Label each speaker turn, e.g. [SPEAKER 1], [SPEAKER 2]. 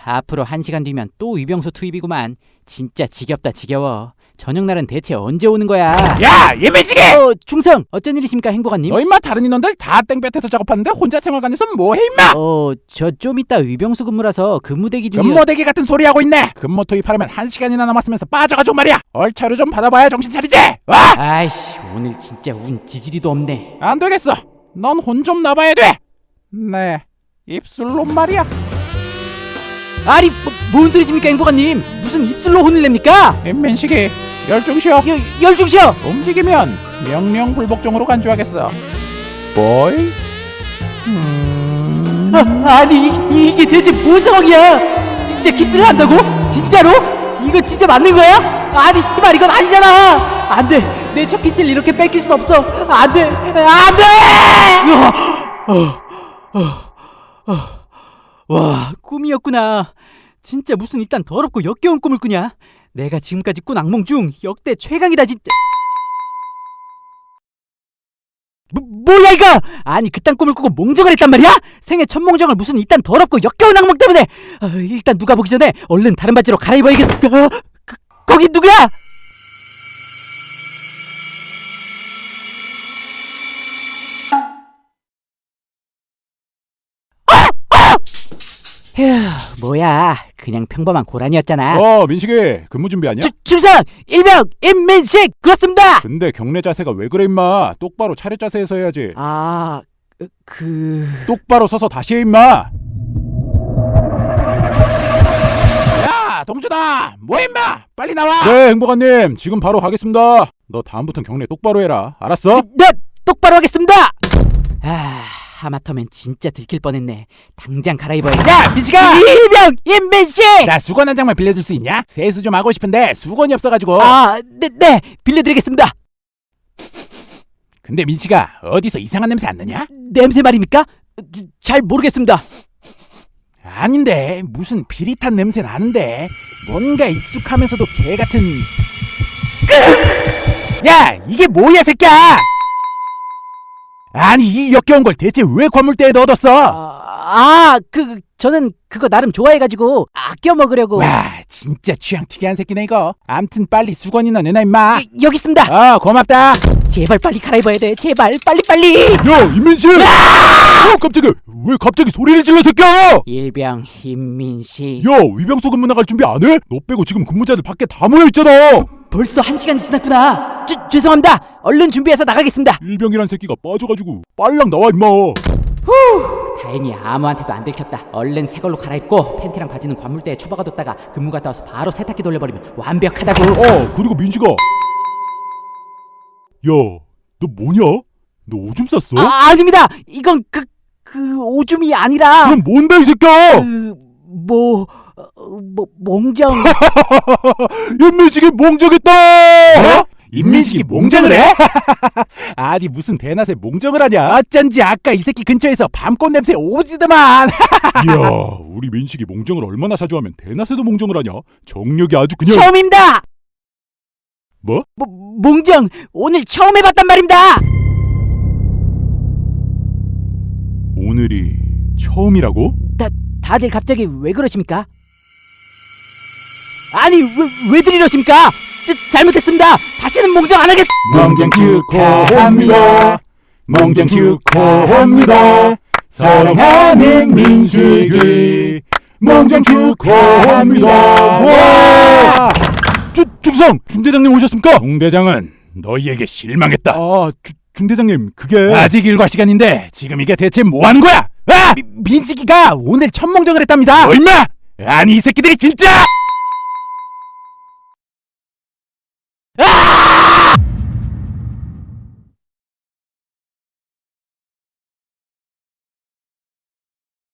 [SPEAKER 1] 앞으로 1시간 뒤면 또 위병소 투입이구만. 진짜 지겹다 지겨워. 저녁날은 대체 언제 오는 거야?
[SPEAKER 2] 야, 예매지게!
[SPEAKER 1] 중성! 어쩐 일이십니까 행복한님?
[SPEAKER 2] 너 임마 다른 인원들 다 땡볕에서 작업하는데 혼자 생활관에서 뭐해 임마!
[SPEAKER 1] 저 좀 이따 위병소 근무라서 근무대기 중이야.
[SPEAKER 2] 근무대기 같은 소리 하고 있네. 근무 투입하려면 1시간이나 남았으면서 빠져가지고 말이야. 얼차려 좀 받아봐야 정신 차리지. 와!
[SPEAKER 1] 아이씨, 오늘 진짜 운 지지리도 없네.
[SPEAKER 2] 안 되겠어. 넌 혼 좀 나봐야 돼. 네, 입술로 말이야.
[SPEAKER 1] 아니 뭔 소리십니까 행복한님? 무슨 입술로 혼을 냅니까?
[SPEAKER 2] 인민식이 열중시어.
[SPEAKER 1] 열중시어!
[SPEAKER 2] 움직이면 명령불복종으로 간주하겠어. 보이?
[SPEAKER 1] 아니 이게 대체 뭔 상황이야? 진짜 키스를 한다고? 진짜로? 이거 진짜 맞는 거야? 아니 씨발 이건 아니잖아. 안돼, 내 첫 키스를 이렇게 뺏길 순 없어. 안돼, 안돼! 와, 꿈이었구나. 진짜 무슨 이딴 더럽고 역겨운 꿈을 꾸냐? 내가 지금까지 꾼 악몽 중 역대 최강이다 진짜. 뭐야 이거? 아니 그딴 꿈을 꾸고 몽정을 했단 말이야? 생애 첫 몽정을 무슨 이딴 더럽고 역겨운 악몽 때문에. 일단 누가 보기 전에 얼른 다른 바지로 갈아입어야겠. 거기 누구야? 휴, 뭐야 그냥 평범한 고란이었잖아.
[SPEAKER 2] 민식이 근무 준비하냐?
[SPEAKER 1] 중상! 일병! 임민식! 그렇습니다!
[SPEAKER 2] 근데 경례 자세가 왜 그래 임마. 똑바로 차렷 자세에서 해야지. 똑바로 서서 다시 해 임마. 야 동준아, 뭐해 임마. 빨리 나와. 네 행복한님, 지금 바로 가겠습니다. 너 다음부턴 경례 똑바로 해라, 알았어?
[SPEAKER 1] 네! 똑바로 하겠습니다! 하마터면 진짜 들킬 뻔했네. 당장 갈아입어야.
[SPEAKER 2] 야 민식아!
[SPEAKER 1] 일병! 임민식!
[SPEAKER 2] 나 수건 한 장만 빌려줄 수 있냐? 세수 좀 하고 싶은데 수건이 없어가지고.
[SPEAKER 1] 네 빌려드리겠습니다.
[SPEAKER 2] 근데 민식아, 어디서 이상한 냄새 안 나냐?
[SPEAKER 1] 냄새 말입니까? 잘 모르겠습니다.
[SPEAKER 2] 아닌데 무슨 비릿한 냄새 나는데. 뭔가 익숙하면서도 개같은. 야 이게 뭐야 새끼야. 아니 이 역겨운 걸 대체 왜 관물대에 넣어뒀어?
[SPEAKER 1] 저는 그거 나름 좋아해가지고 아껴 먹으려고.
[SPEAKER 2] 와 진짜 취향 특이한 새끼네 이거. 암튼 빨리 수건이나 내놔 임마.
[SPEAKER 1] 여기 있습니다.
[SPEAKER 2] 고맙다.
[SPEAKER 1] 제발 빨리 갈아입어야 돼. 제발 빨리.
[SPEAKER 2] 야 임민식! 깜짝이야. 왜 갑자기 소리를 질러 새끼야?
[SPEAKER 1] 일병 임민식.
[SPEAKER 2] 야 위병소 근무 나갈 준비 안 해? 너 빼고 지금 근무자들 밖에 다 모여있잖아.
[SPEAKER 1] 벌써 1시간이 지났구나. 죄송합니다. 얼른 준비해서 나가겠습니다.
[SPEAKER 2] 일병이란 새끼가 빠져가지고 빨랑 나와 임마.
[SPEAKER 1] 다행히 아무한테도 안 들켰다. 얼른 새 걸로 갈아입고 팬티랑 바지는 관물대에 처박아뒀다가 근무 갔다 와서 바로 세탁기 돌려버리면 완벽하다고.
[SPEAKER 2] 그리고 민식아, 야 너 뭐냐? 너 오줌 쌌어?
[SPEAKER 1] 아닙니다. 이건 그 오줌이 아니라.
[SPEAKER 2] 그럼 뭔데 이 새끼야?
[SPEAKER 1] 몽정.
[SPEAKER 2] 임민식이 몽정했다. 임민식이 몽정을 해? 아니 무슨 대낮에 몽정을 하냐? 어쩐지 아까 이 새끼 근처에서 밤꽃 냄새 오지더만. 이야, 우리 민식이 몽정을 얼마나 자주 하면 대낮에도 몽정을 하냐? 정력이 아주 그냥.
[SPEAKER 1] 처음입니다.
[SPEAKER 2] 뭐?
[SPEAKER 1] 몽정 오늘 처음 해봤단 말입니다.
[SPEAKER 2] 오늘이 처음이라고?
[SPEAKER 1] 다들 갑자기 왜 그러십니까? 아니 왜들 이러십니까? 잘못했습니다. 다시는 몽정 안 하겠.
[SPEAKER 2] 몽정 축하합니다. 몽정 축하합니다. 사랑하는 민식이 몽정 축하합니다. 와! 중성! 중대장님 오셨습니까? 중대장은 너희에게 실망했다. 중대장님 그게 아직 일과 시간인데 지금 이게 대체 뭐 하는 거야? 민식이가 오늘 첫 몽정을 했답니다. 뭐 임마! 아니 이 새끼들이 진짜!